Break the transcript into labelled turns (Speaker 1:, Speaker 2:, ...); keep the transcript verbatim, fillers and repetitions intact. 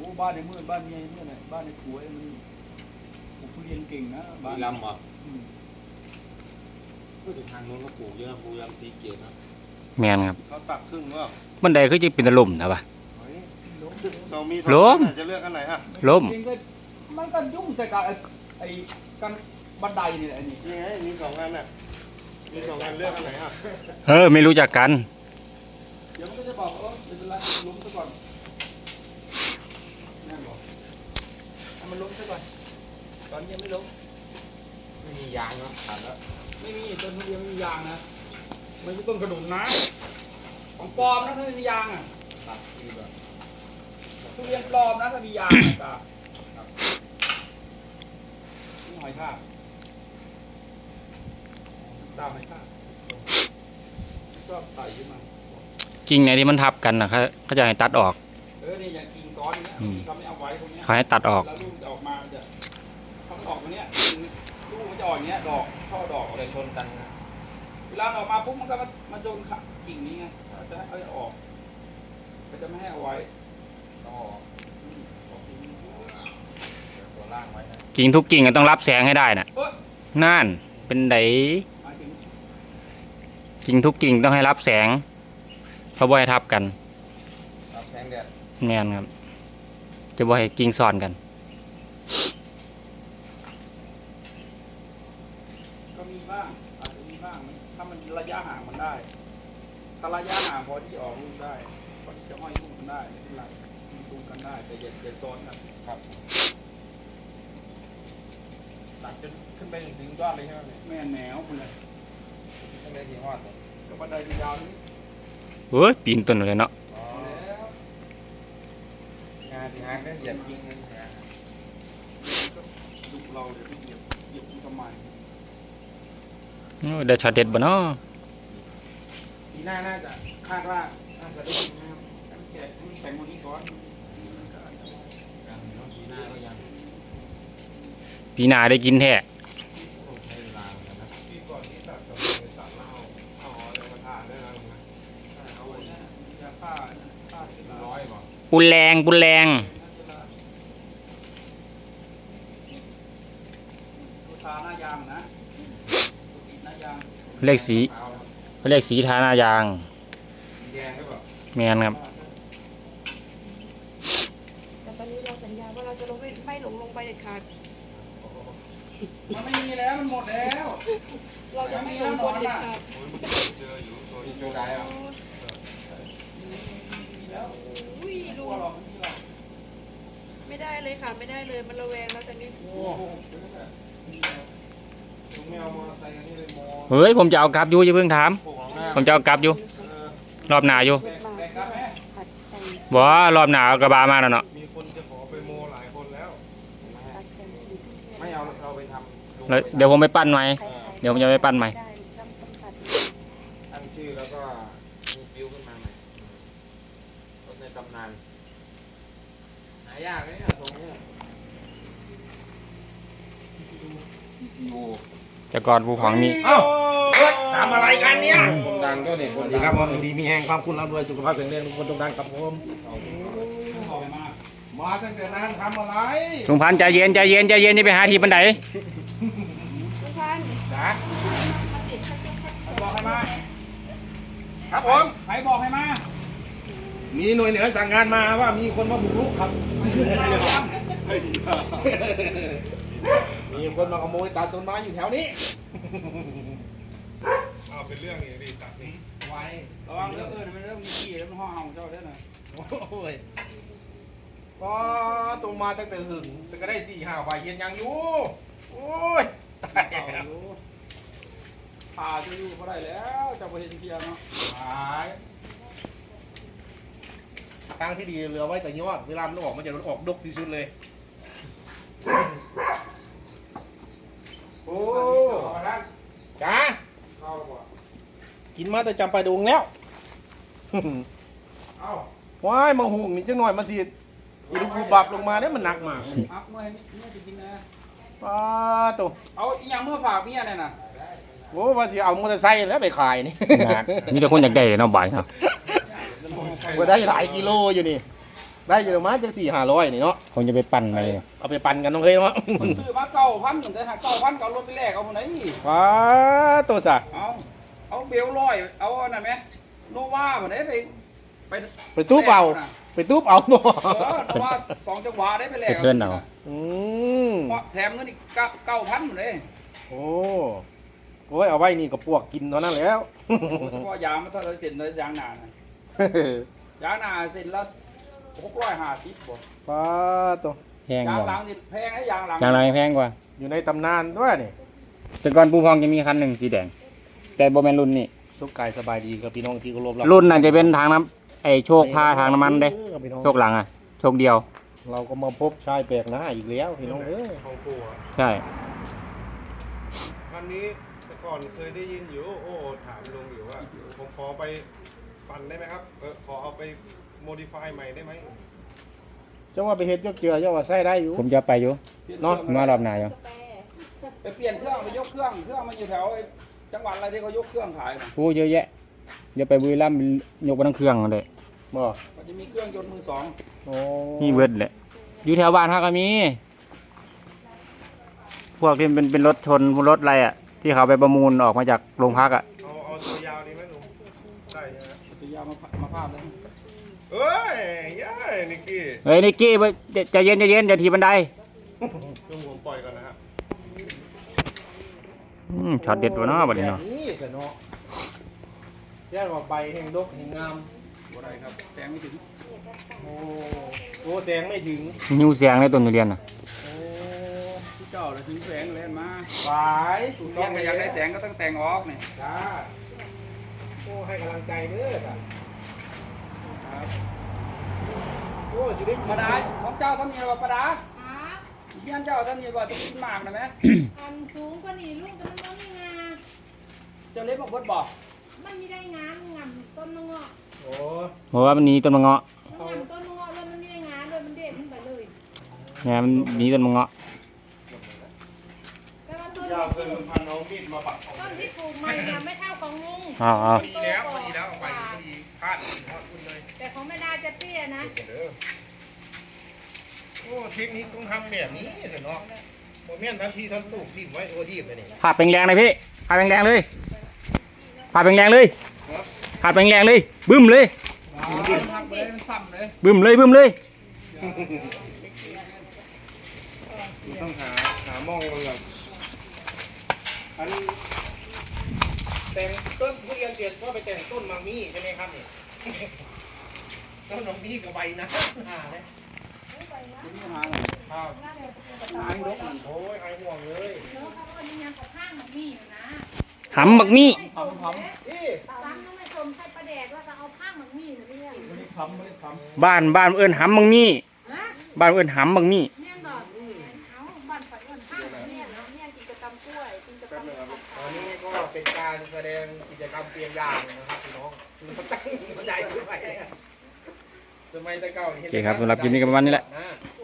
Speaker 1: บ้านในเมื่อบ้านเมียเมื่อไหร่บ้านในผัวมันปลูกทุเรียนเก่งนะบ้าน
Speaker 2: ลำเหรอพูดถึงทางนู้นก็ปลูกเยอะปลูกยำสีเกตนะ
Speaker 3: แมนครับ
Speaker 2: เขาตัดครึ่งว่า
Speaker 3: บันไดก็จะเป็นตะลุ่มนะปะ
Speaker 2: สองมีสองจะเลือกอันไหนอ่ะ
Speaker 3: ล้ม
Speaker 1: มันก็ยุ่งแต่กับไอ้กันบันไดนี่แหละนี่
Speaker 2: นี่ไงมีสองอันน่ะมีสองอันเลือกอันไหนอ่ะ
Speaker 3: เออไม่รู้จักกัน
Speaker 1: เดี๋ยวมันก็จะบอกว่าเป็นไรล้มซะก่อนแม่บอกให้มันล้มซะก่อนตอนนี้ยังไม่ล้ม
Speaker 2: ไม่มียางเนาะขาดแล้ว
Speaker 1: ไม่มีต้นทุเรียนไม่มียางนะไม่ใช่ต้นกระดุมนะของปลอมนะถ้าไม่มียางอ่ะ
Speaker 2: ตัดคือแบบ
Speaker 1: ทุเรียนปลอมนะถ้ามียางอ่ะนี่หอยทากตามหอยทากก็ไต่ขึ้นมา
Speaker 3: กิ่งไหนที่มันทับกันนะเขาเขาจะให้ตัดออก
Speaker 1: เออนี่อย่างกิ่งก้อนเนี้ยเขาไม่เอาไว้ตรงนี้
Speaker 3: เขาให้ตัดออก
Speaker 1: แล้วลูกจะออกมาจะเขาออกตรงนี้ลูกมันจะออกอย่างเงี้ยดอกช่อดอกอะไรชนกันเวลาออกมาปุ๊บมันก็มามาโดนกิ่งนี้ไงจะให้เอาออกก็จะไม่ให้เอาไว้ต้องออกตัวล่างไว้นะ
Speaker 3: กิ่งทุกกิ่งก็ต้องรับแสงให้ได้น่ะนั่นเป็นไดกิ่งทุกกิ่งต้องให้รับแสงเพราะว่าให้ทับกัน
Speaker 2: รับแสงแดด
Speaker 3: แน่นครับจะบ่ให้กิ่งซ้อนกัน
Speaker 1: ก็มีบ้างอาจจะมีบ้างถ้ามันระยะห่างมันได้ถ้าระยะห่างพอที่ออกลูกได้พอที่จะห้อยลูกกันได้ไม่เป็นไรลูกกันได้แต่อย่าอย่าซ้อนกัน
Speaker 2: ครับตัดจนขึ้นไปถึงยอดเลยใช่ไหม
Speaker 1: แม่แนวไปเลย
Speaker 2: ขึ้นไปที่ยอด
Speaker 1: ก็บันไดยาวนี้
Speaker 3: เฮ้ยปีนต้นเลยเนาะ
Speaker 2: งานสิฮะก็เหยียบยิงเลย
Speaker 1: ดุเราเลยที่เหยียบเหยียบทำไม
Speaker 3: ได้ช็อตเด็ดบ่เนาะ
Speaker 1: ปีหน้าน่าจะคาดว่าน่าจะได้กินนะครับแกะแข่งวันนี้ก่อน
Speaker 2: ปีหน้าก็ยัง
Speaker 3: ปีหน้าได้กินแท้ปุนแรงปุนแรงเรียกสีเรียกสีทาหน้ายางแมนครับ
Speaker 4: แต่ตอนนี้เราสัญญาว่าเราจะลงไม่ไม่หลงลงไปเด็ดขาด
Speaker 1: มันไม่มีแล้วมันหมดแล้ว
Speaker 4: เราจะไม่ลงบนเด็ดขาด
Speaker 2: เจออยู่ตัวนี้โจได้อ่ะ
Speaker 4: อุ้ยดูไม่ได้เลยค่ะไม่ได้เลยมันระแวงแล้วตอนนี้
Speaker 3: เฮ้ยผมจะเอากลับอยู่อย่าเพิ่งถามผมจะเอากลับอยู่รอบหน้าอยู่บ่รอบหน้าเอากระบะมาแล้วเนาะ
Speaker 2: มีคนจะขอไปโมหลายคนแล้วไม่เอาเราไปท
Speaker 3: ำเดี๋ยวผมไปปั้นใหม่เดี๋ยวผมจะไปปั้นใหม่
Speaker 2: ตั้งชื่อแล้วก็มีคิวขึ้นมาใหม่รถในตำนานหายากเลยเนี่ยตรงนี้
Speaker 3: จะกอดภูของนี่
Speaker 2: เอ้าทำอะไรกันเนี่ยคนดังก็เนี่ยคนดีครับผมดีมีแห่งความคุณเราด้วยสุขภาพแข็งแรงทุกคนต้องดังครับผมมาตั้งแต่นั้นทำอะไร
Speaker 3: ลุงพันใจเย็นใจเย็นใจเย็นนี่ไปหาที่บันได
Speaker 4: ลุงพัน
Speaker 1: จ้ะบอกให้มาครับผมใครบอกให้มา
Speaker 2: มีหน่วยเหนือสั่งงานมาว่ามีคนมาบุกรุกครับมีคนมาขโมยตัดต้นไม้อยู่แถวนี้เอาเป็นเรื่องอย่างนี้ตัดนี่
Speaker 1: ไว้ระวังเรื่องเออมันเรื่องมีขี้แล้วมันห่อเห่าเจ้าได้หน่อย
Speaker 2: โอ้ยก็ตรงมาตั้งแต่หึงจะก็ได้สี่ห้าฝ่ายเย็นยังอยู่โอ้ยตายแล้ว
Speaker 1: ผ่าจะอยู่ก็ได้แล้วจะไปเห็นเทียนเนาะหาย
Speaker 2: ทางที่ดีเหลือไว้แต่ยอดเวลามันออกมันจะออกดกที่สุดเลยโอ้จ้ากินมาแต่จำไปดวงแล้วว้ายมาหุ่งนี่จังหน่อยมาสิอีลูกบูบับลงมาเนี่ยมันหนักมาก
Speaker 1: อักเมื่อเมื่อจะกินนะ
Speaker 2: ป้าตัว
Speaker 1: เอาอีกอย่างเมื่อฝากเมียเนี่ยนะ
Speaker 2: โอ้ว่าสิเอามอเตอร์ไซค์แล้วไปขายนี่
Speaker 3: มีแต่คนอยากได้เนาะบ่ายครับ
Speaker 2: ว่าได้หลายกิโลอยู่นี่
Speaker 5: ได้เยอะมากจังสี่ห้าร้อยนี่เนาะ
Speaker 3: คงจะไปปั่นไป
Speaker 5: เอาไปปั่นกันน้องเฮ้ยเนาะ
Speaker 1: ซื้อมาเก้าพันเหมือนกันฮะเก้าพันก็เอารถไปแลกเอาคนไหน
Speaker 5: ว้าตัวสะ
Speaker 1: เอาเอาเบลลอยเอาอันนั้นไหมโนวาคนไหนไปไป
Speaker 5: ไปตู้เปล่าไปตู้เปล่าเนาะ
Speaker 1: เออโนวาสองจังหวะได้ไปแล
Speaker 3: ไป
Speaker 1: ก
Speaker 3: เพื่อนเอา
Speaker 5: อืม
Speaker 1: แถมเงินอีกเก้าพันเลย
Speaker 5: โอ้โอ้ยเอาไว้นี่ก็ปวกกินเท่านั้นแล้ว
Speaker 1: เฉพาะยางมันเท่าไรเส้นเลยยางหนานะยางหนาเส้นละหกร้อยห้าสิบบ่
Speaker 5: ป้าตัว
Speaker 3: แพง
Speaker 1: ยาก ง
Speaker 3: ว่า
Speaker 1: หลังนี่แพงนะยางหลัง
Speaker 3: อย่างไรแพงกว่า
Speaker 5: อยู่ในตำนานด้วยนี่
Speaker 3: แต่ก่อนปูพองจะมีคันหนึ่งสีแดง แต่โบแมนรุ่นนี้
Speaker 5: สุขกายสบายดีกับพี่น้องที่เคารพ
Speaker 3: รุ่นน่ะจะเป็นทางน้ำไอโชคพาทางน้ำมันเด้
Speaker 5: ออพี่น้อง
Speaker 3: โชคหลังอ่ะ โชคเดียว
Speaker 5: เราก็มาพบชายแปลกหน้าอีกแล้วพี่น้องเอ้ย
Speaker 2: ของปู่อะ
Speaker 3: ใช่
Speaker 2: คันนี้แต่ก่อนเคยได้ยินอยู่โอ้ถามลุงอยู่ว่าผมขอไปปั่นได้ไหมครับเออขอเอาไปโมดิฟายใหม่ได้ไหม
Speaker 5: เจ้าว่าไปเฮ็ดเจ้าเจือเจ้าว่าใส่ได้อยู่
Speaker 3: ผมจะไปอยู่
Speaker 5: เนาะ
Speaker 3: มารอบหน้าอยู่
Speaker 1: ไปเปลี่ยนเครื่องไปยกเครื่องเครื่องมันอยู่แถวไอ้จังหวัดอะไรที่เขายกเครื่องขายนะ
Speaker 3: โอ้เยอะแยะอย่าไปบุรีรัมย์ยกไปทั้งเครื่องเลย
Speaker 5: บ่
Speaker 1: มันจะมีเครื่องยนต์มือสอง
Speaker 5: โอ้
Speaker 3: นี่เวิร์ดแหละอยู่แถวบ้านท่าก็มี พวกที่เป็นเป็นรถชนรถอะไรอ่ะ ที่เขาไปประมูลออกมาจากโรงพักอ่ะ
Speaker 2: เอาเอาตัวยาวดีไหมลุงได้ใช่ไหม
Speaker 1: จะยามามาภาพเลย
Speaker 2: เอ้ยย่ายนิกกี้
Speaker 3: เฮ้ยนิกกี้ไปใจะเย็นใจะเย็นอย่าทีบันได
Speaker 2: ลุงผมปล่อยก่อนนะครับ
Speaker 3: อืมช็อตเด็ดวะเนาะบัดนี้เนาะ
Speaker 5: นี่สะเนาะแย่ว่าใบแห่งดกแห่งงาม
Speaker 1: บ่ได้ครับแสงไม่ถึง
Speaker 5: โอ้โอ้แสงไม่ถึง
Speaker 3: หิวเสียงในต้นทุเรียนน่ะ
Speaker 5: โอ้
Speaker 1: ที่เจ้าเลยถึงแสงเลยมา
Speaker 5: ฝายสุด
Speaker 1: เรียนก็อยากได้แสงก็ต้องแต่งออกนี่
Speaker 5: จ้าโอ้ให้กำลังใจเด้อจ้ะ
Speaker 1: ครับ
Speaker 5: โอ้สิได้กิน
Speaker 1: ปลาดาของเจ้าท่านมีว่าปลาดา
Speaker 4: ครับ
Speaker 1: เยี่ยนเจ้าท่านมีว่าจะกินหมากนะไหม
Speaker 4: อันสูงกว่านี้ลูกแต่มันต้องมีงา
Speaker 1: เจ้าเล็บบอกเบิดบอก
Speaker 4: มันมีได้งามงามต้นมะเงาะ
Speaker 5: โอ้
Speaker 3: เพราะว่ามันหนีต้นมะเงาะ
Speaker 4: มันงามต้นมะเงาะแล้วมันมีได้งามเลยมันเด็ดขึ้นไปเลย
Speaker 3: เนี่ยมันหนีต้นมะเงาะ
Speaker 4: แต่ว่าต้น
Speaker 2: ยาว
Speaker 4: ที่
Speaker 2: เกิน
Speaker 4: ปลูก
Speaker 2: พันเอามีดมาปักเอา
Speaker 4: ต้นที่ปลูกใหม่เนี่ยไม่เท่าของลุง
Speaker 3: เอาเอา
Speaker 2: ดีแล้วพอดีแล้วเอาไปพอดีพลาดพลาดคุณเลย
Speaker 4: แต่ของแม่ดาจะเตี้ยนะ
Speaker 2: เด้อโอ้เทคนิคต้องทำแบบนี้สิเนาะโมเมนต์ทันทีทันลูกทิ่มไว้โอ้ดีไปนี่
Speaker 3: ผาดแรงๆเลยพี่ผาดแรงๆเลยผาดแรงๆเลยผาดแรงๆเลยบึ้มเลย
Speaker 1: หักเลยมันซ้ำเลย
Speaker 3: บึ้มเลยบึ้มเลย
Speaker 2: ต้องหาหามองมันก่อน
Speaker 5: อันแต่งต้นทุเรียนเสร็จก็ไปแต่งต้นมังมี่ใช่ไหมครับนี่ ต้นมังมี่กับใบนะหาเลย
Speaker 1: จะมีหา
Speaker 5: ครับ
Speaker 1: หางดกมัน
Speaker 5: โอ้ยไอ้ห่วงเลย
Speaker 4: เนาะเขาก็มีงานกับข้างมันมีอยู่นะ
Speaker 3: หำบักมี่
Speaker 1: ทำทำ
Speaker 5: นี่
Speaker 4: ซ้ำต้องไม่ชมใส่ปลาแดกแล้วก็เอาข้างมันมีนะเนี่ย
Speaker 1: ไม่ได้ทำไม่ได้ทำ
Speaker 3: บ้านบ้านเอิ้นหำบักมี่
Speaker 4: ฮะ
Speaker 3: บ้านเอิ้นหำบักมี่
Speaker 4: แม่นบอกเอาบ้านฝันวันข้างมันเนี่ยเนาะเนี่ยกิจกรรมกล้วยกิจกรรม
Speaker 5: ตอนนี้ก็เป็นการแสดงกิจกรรมเปียงยางนะครับพี่น้องมันตั้งมันใหญ่ขึ้นไปสมัยแต่เก่า
Speaker 3: โอเคครับสำหรับคลิปนี้ก็ประมาณนี้แหละ
Speaker 5: นะ